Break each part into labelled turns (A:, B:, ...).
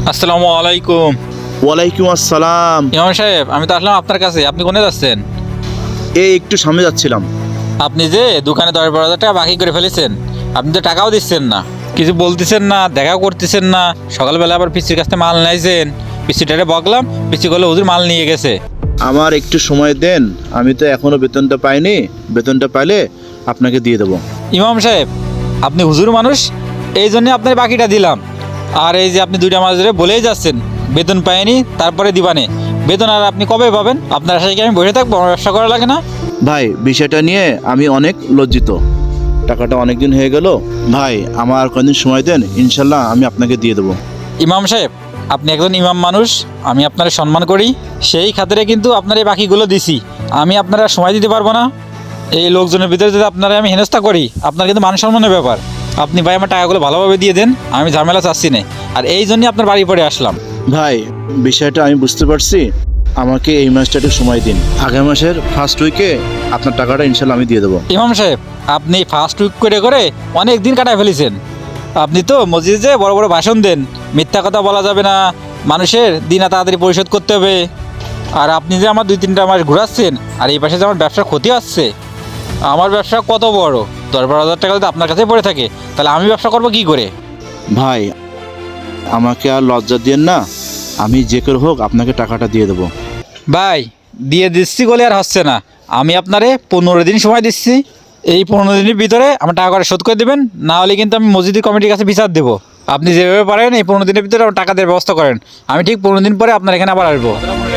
A: আসসালামু আলাইকুম।
B: ওয়ালাইকুম আসসালাম।
A: ইমাম সাহেব, আমি তো আসলাম আপনার কাছে। আপনি কোনে যাচ্ছেন?
B: এই একটু সামনে যাচ্ছিলাম।
A: আপনি যে দোকানে 10-12 হাজার টাকা বাকি করে ফেলেছেন, আপনি তো টাকাও দিচ্ছেন না, কিছু বলতেছেন না, দেখাও করতেছেন না। সকালবেলা আবার পিসির কাছ থেকে মাল নিয়েছেন, পিসিটারে বকলাম, পিসি করলে হুজুর মাল নিয়ে গেছে।
B: আমার একটু সময় দেন, আমি তো এখনো বেতনটা পাইনি। বেতনটা পাইলে আপনাকে দিয়ে দেবো।
A: ইমাম সাহেব, আপনি হুজুর মানুষ, এই জন্যে আপনার বাকিটা দিলাম। আর এই যে আপনি 2টা মাস ধরে বলেই যাচ্ছেন বেতন পাইনি, তারপরে দিবানে। বেতন আর আপনি কবে পাবেন? আপনার আশায় কি আমি বসে থাকবো? আমার ব্যবসা করা লাগে না?
B: ভাই, বিষয়টা নিয়ে আমি অনেক লজ্জিত। টাকাটা অনেক দিন হয়ে গেল। ভাই, আমার কয়েকদিন সময় দেন, ইনশাল্লাহ আমি আপনাকে দিয়ে দেবো।
A: ইমাম সাহেব, আপনি একজন ইমাম মানুষ, আমি আপনার সম্মান করি, সেই খাতিরে কিন্তু আপনার এই বাকিগুলো দিছি। আমি আপনারা সময় দিতে পারবো না। এই লোকজনের ভিতরে যদি আপনারা আমি হেনস্থা করি, আপনার কিন্তু মান সম্মানের ব্যাপার। আপনি ভাই আমার টাকাগুলো ভালোভাবে দিয়ে দেন, আমি ঝামেলা চাচ্ছি না। আর এই জন্যই আপনার বাড়ি পড়ে আসলাম।
B: ভাই, বিষয়টা আমি বুঝতে পারছি। আমাকে এই মাসটা একটু সময় দিন। আগামী মাসের ফার্স্ট উইকে আপনার টাকাটা ইনশাল্লাহ আমি দিয়ে দেবো।
A: ইমাম সাহেব, আপনি ফার্স্ট উইক করে করে অনেক দিন কাটায় ফেলেছেন। আপনি তো মসজিদে যে বড় বড় ভাষণ দেন, মিথ্যা কথা বলা যাবে না, মানুষের দিনা তাড়াতাড়ি পরিশোধ করতে হবে। আর আপনি যে আমার 2-3টা মাস ঘুরাচ্ছেন, আর এই পাশে যে আমার ব্যবসার ক্ষতি হচ্ছে। আমার ব্যবসা কত বড়, 10-12 হাজার টাকা যদি আপনার কাছে পড়ে থাকে, তাহলে আমি ব্যবসা করবো কি করে?
B: ভাই, আমাকে আর লজ্জা দিয়েন না। আমি যে করে হোক আপনাকে টাকাটা দিয়ে দেবো।
A: ভাই, দিয়ে দিচ্ছি বলে আর হচ্ছে না। আমি আপনারে 15 দিন সময় দিচ্ছি। এই 15 দিনের ভিতরে আমার টাকা করে শোধ করে দেবেন, না হলে কিন্তু আমি মসজিদের কমিটির কাছে বিচার দেবো। আপনি যেভাবে পারেন এই 15 দিনের ভিতরে আমার টাকা দেওয়ার ব্যবস্থা করেন। আমি ঠিক 15 দিন পরে আপনার এখানে আবার আসবো।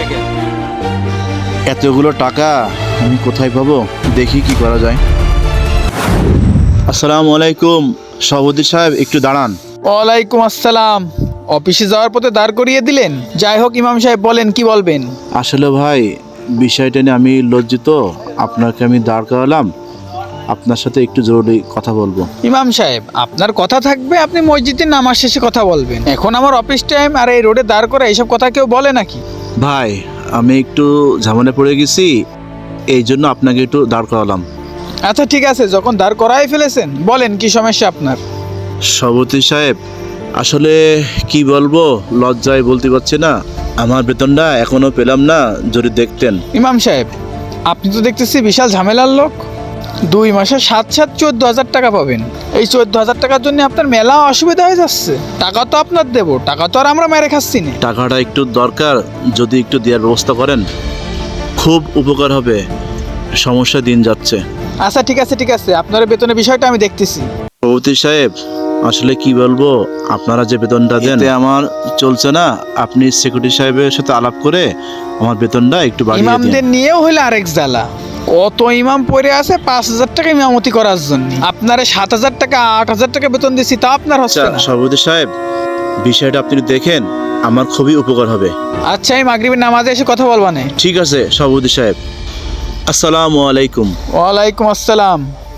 B: এতগুলো টাকা আমি কোথায় পাবো? দেখি কি করা যায়। আসসালামু আলাইকুম। সভাপতি সাহেব, একটু দাঁড়ান।
C: ওয়ালাইকুম আসসালাম। অফিসে যাওয়ার পথে দাঁড় করিয়ে দিলেন? যাই হোক ইমাম সাহেব, বলেন কি বলবেন।
B: আসলে ভাই, বিষয়টা নিয়ে আমি লজ্জিত। আপনাকে আমি দাঁড় করালাম, আপনার সাথে একটু জরুরি কথা বলবো।
C: ইমাম সাহেব, আপনার কথা থাকবে, আপনি মসজিদের নামাজ শেষে কথা বলবেন। এখন আমার অফিস টাইম, আর এই রোডে দাঁড় করে এইসব কথা কেউ বলে নাকি?
B: ভাই, আমি একটু ঝামেলা পড়ে গেছি, এই জন্য আপনাকে একটু দাঁড় করালাম।
C: আচ্ছা ঠিক আছে, যখন দাঁড় করাই ফেলেছেন বলেন কি সমস্যা আপনার।
B: সভাপতি সাহেব, আসলে কি বলবো, লজ্জায় বলতে পারছি না। আমার বেতনটা এখনো পেলাম না, যদি দেখতেন।
C: ইমাম সাহেব, আপনি তো দেখতেছি বিশাল ঝামেলার লোক। 2 মাসে 7-7 14,000 টাকা পাবেন। এই 14,000 টাকার জন্য আপনার মেলা অসুবিধা হয়ে যাচ্ছে। টাকা তো আপনার দেবো, টাকা তো আর আমরা মেরে খাচ্ছি না।
B: টাকাটা একটু দরকার, যদি একটু দেওয়ার ব্যবস্থা করেন খুব উপকার হবে। সমস্যা দিন যাচ্ছে।
C: আচ্ছা ঠিক আছে ঠিক আছে, আপনার বেতনের বিষয়টা আমি দেখতেছি।
B: সভাপতি সাহেব, আসলে কি বলবো, আপনারা যে বেতনটা দেন এতে আমার চলছে না। আপনি সেক্রেটারি সাহেবের সাথে আলাপ করে আমার বেতনটা একটু বাড়িয়ে দিন।
C: ইমামদের নিয়েও হইলে আরেক জ্বালা। কত ইমাম পড়ে আছে 5,000 টাকা ইমামতি করার জন্য। আপনারে 7,000 টাকা 8,000 টাকা বেতন দিছি, তা আপনার হচ্ছে
B: আচ্ছা
C: না।
B: সভাপতি সাহেব, বিষয়টা আপনি দেখেন, আমার খুবই উপকার হবে।
C: আচ্ছা, আমি মাগরিবের নামাজে এসে কথা বলবা না।
B: ঠিক আছে সভাপতি সাহেব। আসসালামু আলাইকুম।
C: ওয়ালাইকুম আসসালাম।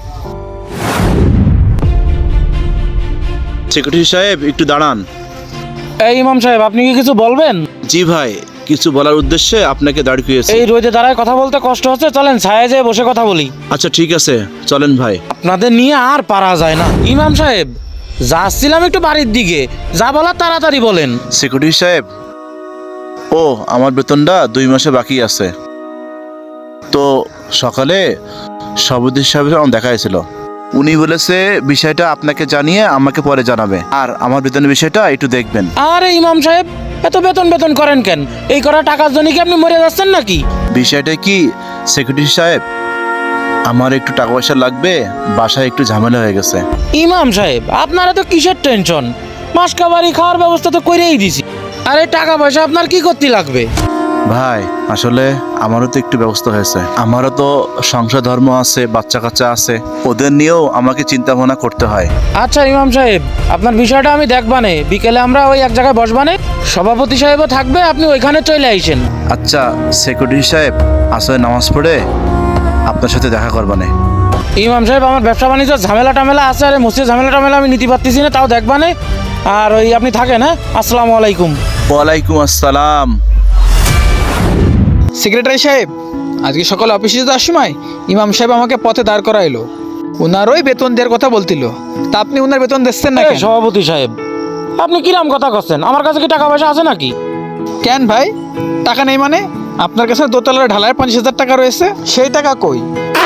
B: সেক্রেটারি সাহেব, একটু দাঁড়ান।
D: এই ইমাম সাহেব, আপনি কি কিছু বলবেন?
B: জি ভাই, কিছু বলার উদ্দেশ্যে আপনাকে দাঁড় করিয়েছি।
D: এই রোদে দাঁড়ায় কথা বলতে কষ্ট হচ্ছে, চলেন ছায়া যেয়ে বসে কথা বলি।
B: আচ্ছা ঠিক আছে, চলেন ভাই।
D: আপনাদের নিয়ে আর পারা যায় না। ইমাম সাহেব, যাচ্ছিলাম একটু বাড়ির দিকে, যা বলার তাড়াতাড়ি বলেন।
B: সেক্রেটারি সাহেব, ও আমার বেতনটা 2 মাসে বাকি আছে। তো সকালে সভাপতি সাহেবের আমার দেখা হয়েছিল। উনি বলেছে বিষয়টা আপনাকে জানিয়ে আমাকে পরে জানাবে, আর আমার বেতনের বিষয়টা একটু দেখবেন।
D: আরে ইমাম সাহেব, এত বেতন বেতন করেন কেন? এই করা টাকার জন্য কি আপনি মরে যাচ্ছেন নাকি?
B: বিষয়টা কি সেক্রেটারি সাহেব, আমার একটু টাকা পয়সা লাগবে, বাসায় একটু ঝামেলা হয়ে গেছে।
D: ইমাম সাহেব, আপনারা তো কিসের টেনশন? মাসকাবারি খাওয়ার ব্যবস্থা তো করেই দিছি। আর এই টাকা পয়সা আপনার কি করতে লাগবে?
B: ভাই, আসলে আমারও তো একটু ব্যবস্থা হয়েছে। আমারও তো সংসার ধর্ম আছে, বাচ্চা কাচ্চা আছে, ওদের নিয়েও আমাকে চিন্তা ভাবনা করতে হয়।
D: আচ্ছা ইমাম সাহেব, আপনার বিষয়টা আমি দেখবানে। বিকেলে আমরা ওই এক জায়গায় বসবানে, সভাপতি সাহেবও থাকবে, আপনি ওইখানে চলে আইসেন।
B: আচ্ছা সেক্রেটারি সাহেব, আসলে নামাজ পড়ে আপনার সাথে দেখা করবানে।
D: ইমাম সাহেব, আমার ব্যবসা বাণিজ্য ঝামেলা টামেলা আছে, আরে মসজিদ ঝামেলা টামেলা আমি নিতে পারতেছি না, তাও দেখবানে। আর ওই আপনি থাকেন। হ্যাঁ, আসসালামু আলাইকুম।
B: ওয়ালাইকুম আসসালাম।
C: সেক্রেটারি সাহেব, আজকে সকালে অফিসে যাওয়ার সময় ইমাম সাহেব আমাকে পথে দাঁড় করাইলো। ওনারই বেতন দেওয়ার কথা বলছিল, তা আপনি ওনার বেতন দিচ্ছেন না
D: এই
C: কেন?
D: সভাপতি সাহেব, আপনি কিরাম কথা করছেন? আমার কাছে কি টাকা পয়সা আছে নাকি?
C: কেন ভাই, টাকা নেই মানে? আপনার কাছে দোতলার ঢালায় 50,000 টাকা রয়েছে, সেই টাকা কই?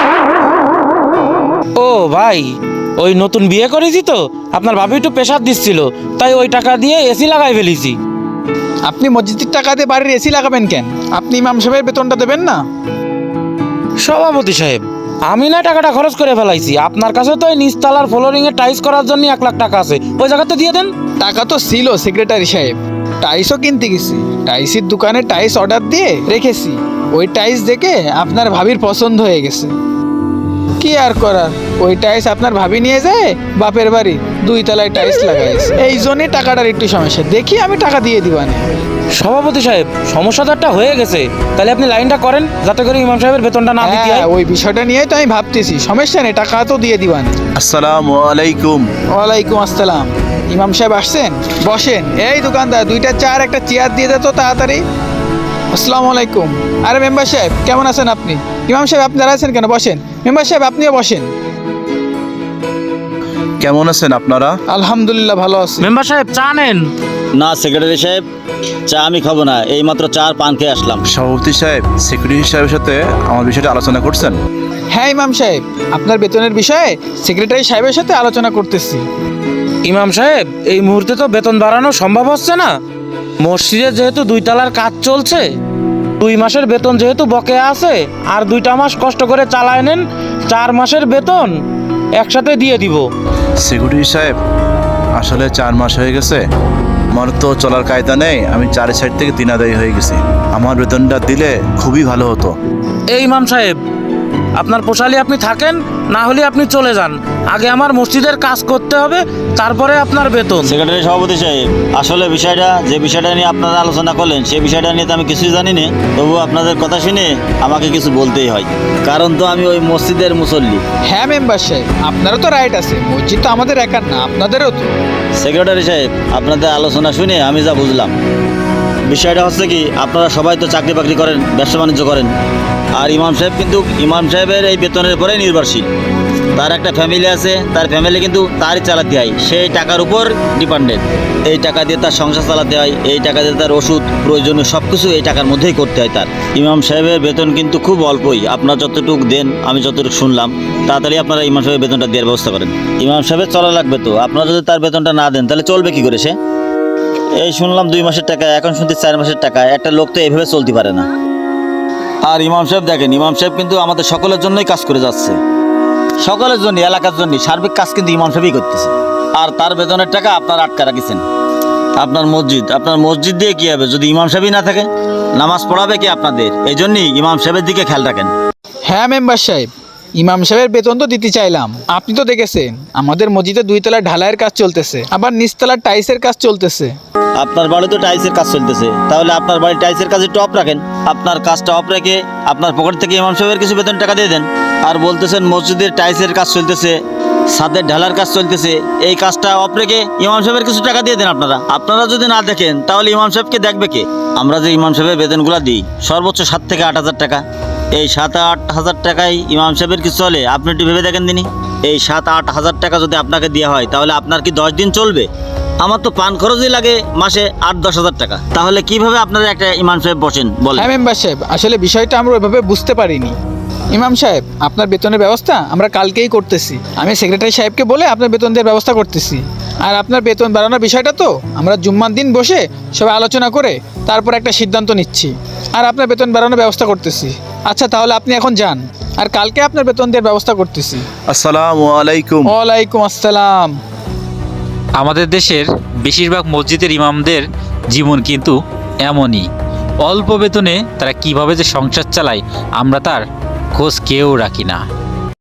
D: ও ভাই, ওই নতুন বিয়ে করেছি তো, আপনার ভাবি একটু প্রেশার দিচ্ছিল, তাই ওই টাকা দিয়ে এসি লাগাই ফেলেছি।
C: আপনি মসজিদের টাকা দিয়ে বাড়ির এসি লাগাবেন কেন? আপনি ইমাম সাহেবের বেতনটা দেবেন না?
D: সভাপতি সাহেব, আমি না টাকাটা খরচ করে ফেলাইছি, আপনার কাছে তো ওই নিচতলার ফ্লোরিং এ টাইলস করার জন্য 1 লাখ টাকা আছে, ওই জায়গাতে দিয়ে দেন।
C: টাকা তো ছিল সেক্রেটারি সাহেব, টাইলসও কিনতে গেছি, টাইলসের দোকানে টাইলস অর্ডার দিয়ে রেখেছি। ওই টাইলস দেখে আপনার ভাবির পছন্দ হয়ে গেছে। কি আর করার, ওই টাইলস আপনার ভাবি নিয়ে যায় বাপের বাড়ি 2 তলায় টাইলস লাগাইছে। এই জন্যই টাকাটার একটু সমস্যা, দেখি আমি টাকা দিয়ে দিবানে।
D: সভাপতি সাহেব, সমস্যা তো একটা হয়ে গেছে, তাহলে আপনি লাইনটা করেন যাতে করে ইমাম সাহেবের বেতনটা না দিতে
C: হ্যাঁ,
D: হয়।
C: ওই বিষয়টা নিয়ে তো আমি ভাবতেছি, সমস্যা নেই, টাকা তো দিয়ে দিবানে।
B: আসসালামু আলাইকুম।
C: ওয়ালাইকুম আসসালাম। ইমাম সাহেব আসছেন? বসেন। এই দোকানদার, 2টা চার একটা চেয়ার দিয়ে দে তো তাড়াতাড়ি। আসসালামু আলাইকুম। আরে মেম্বার সাহেব, কেমন আছেন আপনি? ইমাম সাহেব আপনি দাঁড়াচ্ছেন কেন? বসেন। মেম্বার সাহেব আপনিও বসেন।
B: কেমন আছেন আপনারা?
C: আলহামদুলিল্লাহ ভালো আছি।
D: মেম্বার সাহেব, চা নেন।
E: না সেক্রেটারি সাহেব, চা আমি খাবো না, এইমাত্র চার পান খেয়ে আসলাম।
B: সভাপতি সাহেব, সেক্রেটারি সাহেবের সাথে আমার বিষয়টা আলোচনা করছেন?
C: হ্যাঁ ইমাম সাহেব, আপনার বেতনের বিষয়ে সেক্রেটারি সাহেবের সাথে আলোচনা করতেছি।
D: ইমাম সাহেব, এই মুহূর্তে তো বেতন বাড়ানো সম্ভব হচ্ছে না। মসজিদে যেহেতু 2 তলার কাজ চলছে, 2 মাসের বেতন যেহেতু বকেয়া আছে, আর 2টা মাস কষ্ট করে চালায় নেন, 4 মাসের বেতন একসাথে দিয়ে দিব।
B: সেক্রেটারি সাহেব, আসলে 4 মাস হয়ে গেছে, আমার তো চলার কায়দা নেই, আমি 4 সাইড থেকে 3 আদায় হয়ে গেছি। আমার বেতনটা দিলে খুবই ভালো হতো।
D: এই ইমাম সাহেব, আপনার পোষালি আপনি থাকেন, না হলে আপনি চলে যান। আগে আমার মসজিদের কাজ করতে হবে, তারপরে আপনার বেতন।
E: সেক্রেটারি সভাপতি সাহেব, আসলে যে বিষয়টা নিয়ে আপনারা আলোচনা করলেন, সেই বিষয়টা নিয়ে তো আমি কিছুই জানি না, তবু আপনাদের কথা শুনে আমাকে কিছু বলতেই হয়, কারণ তো আমি ওই মসজিদের মুসল্লি।
C: হ্যাঁ মেম্বার সাহেব, আপনারও তো রাইট আছে, মসজিদ তো আমাদের একার না, আপনাদেরও তো।
E: সেক্রেটারি সাহেব, আপনাদের আলোচনা শুনে আমি যা বুঝলাম, বিষয়টা হচ্ছে কি, আপনারা সবাই তো চাকরি বাকরি করেন, ব্যবসা বাণিজ্য করেন, আর ইমাম সাহেব কিন্তু ইমাম সাহেবের এই বেতনের উপরে নির্ভরশীল। তার একটা ফ্যামিলি আছে, তার ফ্যামিলি কিন্তু তারই চালাতে হয়, সেই টাকার উপর ডিপেন্ডেন্ট। এই টাকা দিয়ে তার সংসার চালাতে হয়, এই টাকা দিয়ে তার ওষুধ প্রয়োজনীয় সব কিছু এই টাকার মধ্যেই করতে হয় তার। ইমাম সাহেবের বেতন কিন্তু খুব অল্পই, আপনার যতটুকু দেন, আমি যতটুকু শুনলাম, তাড়াতাড়ি আপনারা ইমাম সাহেবের বেতনটা দেওয়ার ব্যবস্থা করেন। ইমাম সাহেবের চলা লাগবে তো, আপনারা যদি তার বেতনটা না দেন তাহলে চলবে কি করে সে? এই শুনলাম 2 মাসের টাকা, এখন শুনতে 4 মাসের টাকা, একটা লোক তো এভাবে চলতে পারে না। আর ইমাম সাহেব দেখেন, ইমাম সাহেব কিন্তু আমাদের সকলের জন্যই কাজ করে যাচ্ছে, সকলের জন্য, এলাকার জন্য সার্বিক কাজ কিন্তু ইমাম সাহেবই করতেছে। আর তার বেতনের টাকা আপনারা আটকা রাখিছেন। আপনার মসজিদ দিয়ে কি হবে যদি ইমাম সাহেবই না থাকে? নামাজ পড়াবে কি আপনাদের? এই জন্যই ইমাম সাহেবের দিকে খেয়াল রাখেন।
C: হ্যাঁ মেম্বার সাহেব, ইমাম সাহেবের বেতন তো দিতে চাইলাম, আপনি তো দেখেছেন আমাদের মসজিদে 2 তলার ঢালাইয়ের কাজ চলতেছে, আবার নিচতলার টাইলসের কাজ চলতেছে।
E: আপনার বাড়ি তো টাইলসের কাজ চলতেছে, তাহলে আপনার বাড়ি টাইলসের কাজে একটু অফ রাখেন। আপনার কাজটা অফ রেখে আপনার পকেট থেকে ইমাম সাহেবের কিছু বেতন টাকা দিয়ে দেন। আর বলতেছেন মসজিদের টাইলসের কাজ চলতেছে, ছাদের ঢালার কাজ চলতেছে, এই কাজটা অফ রেখে ইমাম সাহেবের কিছু টাকা দিয়ে দেন। আপনারা যদি না দেখেন তাহলে ইমাম সাহেবকে দেখবে কে? আমরা যে ইমাম সাহেবের বেতনগুলো দিই সর্বোচ্চ 7 থেকে 8 হাজার টাকা, এই 7-8 হাজার টাকায় ইমাম সাহেবের কিছু চলে? আপনি একটু ভেবে দেখেন দিনই, এই 7-8 হাজার টাকা যদি আপনাকে দেওয়া হয় তাহলে আপনার কি 10 দিন চলবে? আমার তো পান খরচই লাগে মাসে 8-10 হাজার টাকা, তাহলে কিভাবে আপনারা একটা ইমাম সাহেব বসেন বলেন?
C: হ্যাঁ মেম্বার সাহেব, আসলে বিষয়টা আমরা ওইভাবে বুঝতে পারিনি। ইমাম সাহেব, আপনার বেতনের ব্যবস্থা আমরা কালকেই করতেছি, আমি সেক্রেটারি সাহেবকে বলে আপনার বেতন দেওয়ার ব্যবস্থা করতেছি। আর আপনার বেতন বাড়ানোর বিষয়টা তো আমরা জুম্মার দিন বসে সবাই আলোচনা করে তারপর একটা সিদ্ধান্ত নিচ্ছি, আর আপনার বেতন বাড়ানোর ব্যবস্থা করতেছি। আচ্ছা তাহলে আপনি এখন যান, আর কালকে আপনার বেতন দেওয়ার ব্যবস্থা করতেছি।
B: আসসালামু আলাইকুম।
C: ওয়ালাইকুম আসসালাম।
A: আমাদের দেশের বেশিরভাগ মসজিদের ইমামদের জীবন কিন্তু এমনই, অল্প বেতনে তারা কিভাবে যে সংসার চালায় আমরা তার খোঁজ কেউ রাখি না।